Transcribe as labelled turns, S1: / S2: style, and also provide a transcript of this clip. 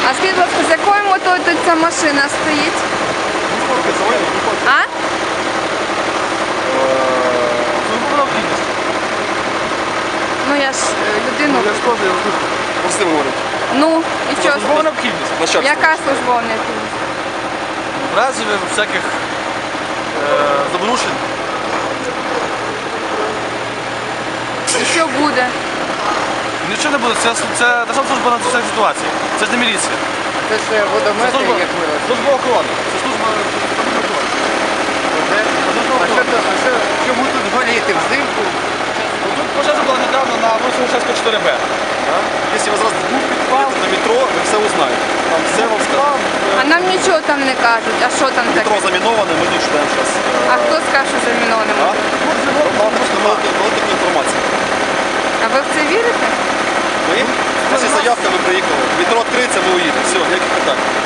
S1: А скажіть, будь ласка, з якою метою тут ця машина стоїть? А? Ну я ж людину.
S2: Я ж теж, я вже простим говорю.
S1: Ну, і що?
S2: Службова необхідність. Начальство.
S1: Яка службова необхідність?
S2: В разі всяких забрушень.
S1: І що буде?
S2: Нічого не буде, це державна служба на всякій ситуації. Це ж не міліція.
S3: Це ж водомети,
S2: Служба,
S3: як ми.
S2: служба охорони. Це служба охорони.
S3: Чому тут горіти взимку?
S2: Тут пожежа була недавно на вулиці Грушевського 4Б. Якщо ви зараз був підпал на метро, ви все узнаєте. Там все вам скажуть.
S1: А нам нічого там не кажуть. А що там таке?
S2: Метро заміноване, ми тут читаємо зараз.
S1: А хто скаже, що заміноване?
S2: Вам просто мало таку інформацію.
S1: А ви в це вірите?
S2: Ми? У нас є заявка, ви приїхали. Метро відкриється, ви уїдете. Все, ніяких питань.